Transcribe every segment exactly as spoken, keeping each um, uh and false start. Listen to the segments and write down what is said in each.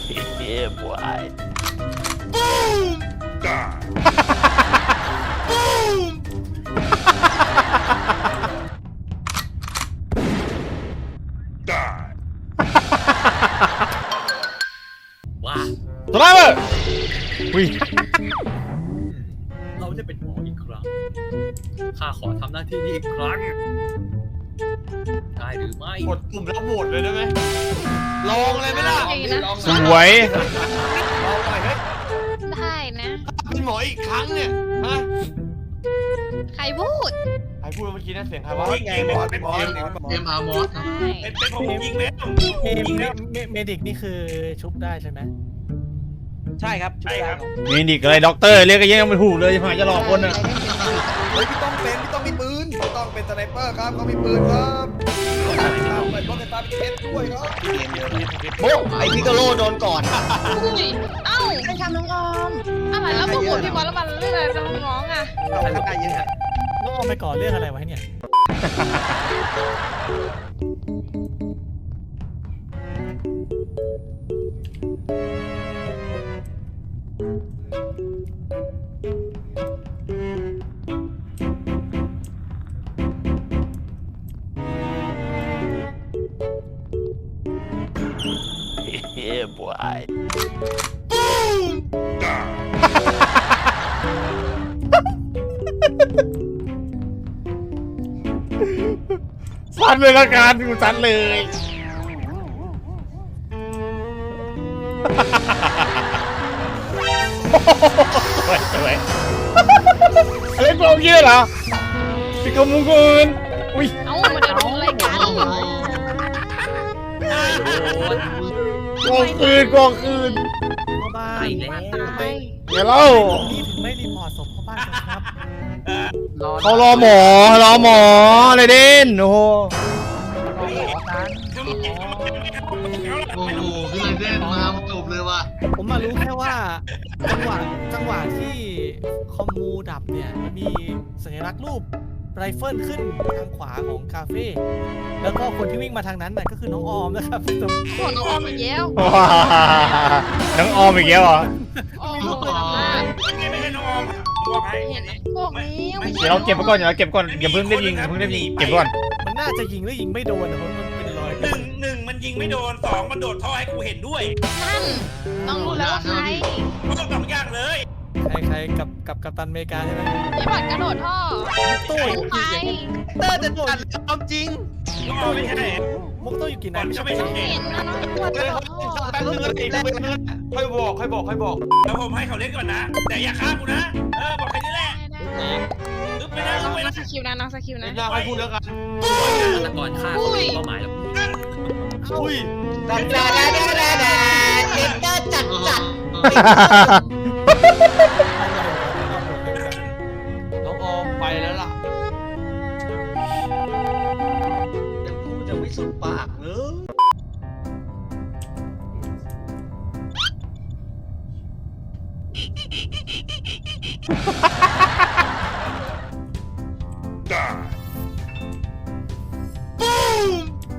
Yeah, boy. Boom! Die. Boom! Die. ว้าสไลเมอร์อุ้ยเราจะเป็นหมออีกครั้งข้าขอทำหน้าที่นี้อีกครั้งได้หรือไม่กดปุ่มแล้วโหวตเลยได้ไหมลองเลยไหมล่ะสวยลองหน่อยเฮ้ยได้นะเป็นหมออีกครั้งเนี่ยฮะใครพูดใครพูดเมื่อกี้นะเสียงใครวะไงหมอเป็นหมอเอ็มอาร์มอสใช่เป็นเป็นผมยิงแล้วเมยิงแล้วเมเมดิกนี่คือชุบได้ใช่ไหมใช่ครับใช่ครับมีดิกอะไรด็อกเตอร์เรียกก็ยังไม่ถูกเลยผ่านจะหลอกคนอ่ะเฮ้ยพี่ต้องเป็นพี่ต้องมีปืนพี่ต้องเป็นสไนเปอร์ครับเขามีปืนครับไปป้องกันตาพิเศษด้วยครับโอ้ไอพิกาโลโดนก่อนอุ้ยเอ้าใครทำน้องออมอะไรแล้วพวกผมพี่บอลแล้วมันเรื่องอะไรน้องๆอ่ะเราทำได้เยอะน้องเอาไปก่อเรื่องอะไรไว้เนี่ย Yeah, boy. Boom! Die. ซัดเลยละกันกูซัดเลย สวยสวยอะไรกองเยอะเหรอพี่กมุงกูอื่นอุ้ยเอ้ามันจะรู้อะไรกันกองคืนกองคืนพ่อบ้านไปแล้วตายเดี๋ยวเล่านี่ถึงไม่รีพอร์ตศพพ่อบ้านกันครับเขารอหมอรอหมออะไรเด่นโอ้โหโอ้โหพี่ไรเดนมาจบเลยว่ะผมมารู้แค่ว่าจังหวะจังหวะที่คอมมูดับเนี่ยมันมีสัญลักษณ์รูปไรเฟิลขึ้นทางขวาของคาเฟ่แล้วก็คนที่วิ่งมาทางนั้นน่ะก็คือน้องออมนะครับโหน้องออมอีกแล้วน้องออมอีกแล้วเหรอออมลงไปทำหน้าไม่ไม่ใช่น้องออมบอกให้เห็นไหมพวกนี้เดี๋ยวเราเก็บไปก่อนเดี๋ยวเราเก็บก่อนอย่าเพิ่งได้ยิงอย่าเพิ่งได้ยิงเก็บก่อนมันน่าจะยิงหรือยิงไม่โดนนะเพราะมันเป็นรอยหนึ่งหนึ่งมันยิงไม่โดนสองมันโดดท่อให้กูเห็นด้วยนั่นต้องรู้แล้วว่าใครก็ต้องสองอย่างเลยใครใครกับกับกัปตันอเมริกาใช่ไหมพี่บอลกระโดดท่อตู้ไปเตอร์จะจัดความจริงน้องออมไม่ใช่มุกตู้อยู่กี่บนัอดลไม่จะใช่ไม่ใช่เห็นนะน้องบอลกระโดดท่อแป๊บนึงแป๊บนึงค่อยบอกค่อยบอกค่อยบอกแล้วผมให้เขาเล่นก่อนนะ แต่อย่าฆ่ากูนะ เออบอกแค่นี้แหละอึ๊บไปนะอึ๊บไปน้อนะงสกิลนะน้องสกิลเดี๋นะยวค่อยพูดแล้วกันฆาตกรฆ่าเขาเป็นเป้าหมายแล้วอุ้ยดาดาดาดาดาดาเด็กก็จัดจัดน้องออมไปแล้วล่ะเดี๋ยวกูจะไม่สุดปากเลย Die. Boom!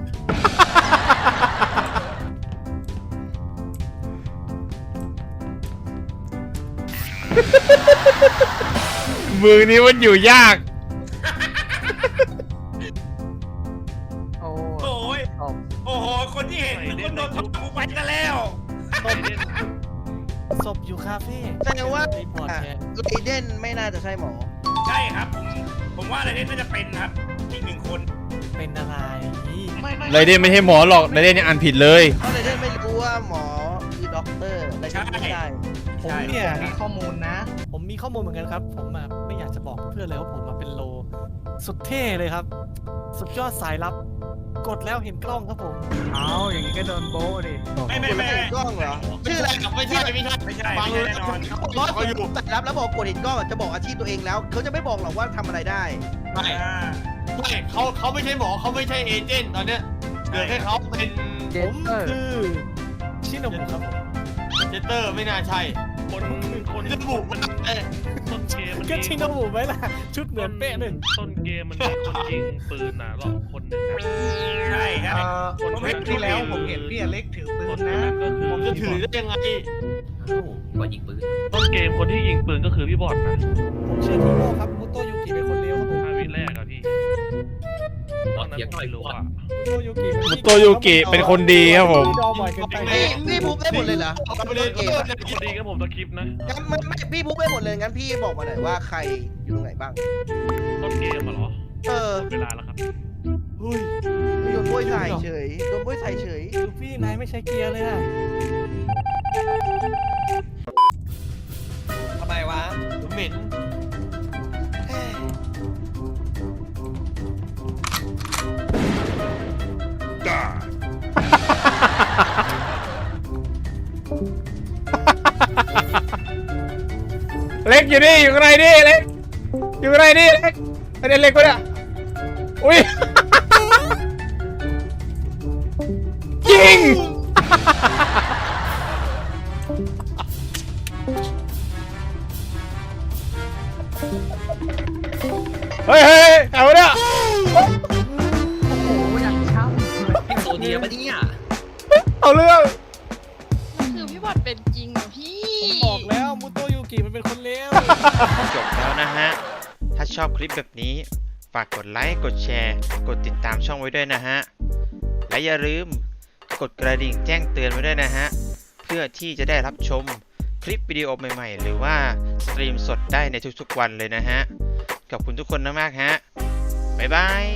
มือนี้มันอยู่ยากโอ้ยโอ้โห คนที่เห็นนึกว่าโดนทับกูไปกันแล้วศพอยู่คาเฟ่แสดงว่ารีพอร์ตแทนเลเดนไม่น่าจะใช่หมอใช่ครับ ผม ผมว่าอะไรเนี่ยน่าจะเป็นครับ อีกหนึ่งคนเป็นอะไรไม่ไม่ไรเดนไม่ใช่หมอหรอกไรเดนยังอ่านผิดเลยเพราะเลเดนไม่รู้ว่าหมอคือด็อกเตอร์เลเดนไม่ได้ผมเนี่ยมีข้อมูลนะผมมีข้อมูลเหมือนกันครับ ผมอะไม่อยากจะบอกเพื่อนเลยว่าผมอะเป็นโล สุดเท่เลยครับ สุดยอดสายลับ กดแล้วเห็นกล้องครับผมเอาอย่างนี้ก็โดนโบ้ดิไม่ไม่กดไม่แล้วเห็นกล้องเหรอ ชื่ออะไรไม่ใช่ไม่ใช่ไม่ใช่ฟังไม่เลใช่ยแน่นอนร้อยคนแต่รับแล้วบอกกดเห็นกล้องจะบอกอาชีพตัวเองแล้ว เขาจะไม่บอกหรอกว่าทำอะไรได้ไม่อ่าไม่เขาเขาไม่ใช่หมอเขาไม่ใช่เอเจนต์ตอนเนี้ยเหลือแค่เขาเป็นผมคือชิโนบุครับผมเจเตอร์ไม่น่าใช่ คนคนจะบุกมันเอ๊ะต้นเกมมันก็มีชิโนบุไหมล่ะ ชุดเหมือนเป๊ะหนึ่งต้นเกมมันมีคนยิงปืนน่ะหรอกคนหนึ่งอะใช่ครับคนผมเห็นที่แล้วผมเห็นพี่อเล็กถือปืนนะก็คือผมจะถือได้ยังไงเอ้าก็ยิงปืนต้นเกมคนที่ยิงปืนก็คือพี่บอดนะผมเชื่อทีโม่ครับมุโตยูกิเป็นคนเลวครับผมห้าวิแรกอะพี่บตออดนนั้นเถียงผมหน่อยไม่รู้บอดอะมุโตยูกิมุโตยูกิเป็นคนดีครับผมดอบ่อยเกินไปพี่พี่พูดได้หมดเลยเหรอเอาไปเลยเกเกมมอะคนดีก็ผมตะคริปต์นะงั้นไม่ไม่พี่พูดได้หมดเลยงั้นพี่บอกมาหน่อยว่าใครอยู่ตรงไหนบ้างต้นเกมอะเหรอเออหมดเวลาแล้วครับเฮ้ยโดนบ้วยใส่เฉยโดนบ้วยใส่เฉยลูฟี่นายไม่ใช้เกียร์เลยอะทำไมวะเหม็นเล็กอยู่นี่อยู่ข้างในนี่เล็กอยู่ข้างในนี่เล็กไอเด็กเล็กวะเนี่ยอุ้ยยิงเฮ้ยเฮ้ยเอาเนี่ยโซเดียปะเนี่ยเอาเรื่องคือพี่บอดเป็นจริงเหรอพี่ผมบอกแล้วมุโตยูกิมันเป็นคนเลวจบแล้วนะฮะ ถ้าชอบคลิปแบบนี้ ฝากกดไลค์ กดแชร์ กดติดตามช่องไว้ด้วยนะฮะ และอย่าลืมกดกระดิ่งแจ้งเตือนไว้ด้วยนะฮะ เพื่อที่จะได้รับชมคลิปวิดีโอใหม่ๆ หรือว่าสตรีมสดได้ในทุกๆวันเลยนะฮะ ขอบคุณทุกคนมากๆฮะ บ๊ายบาย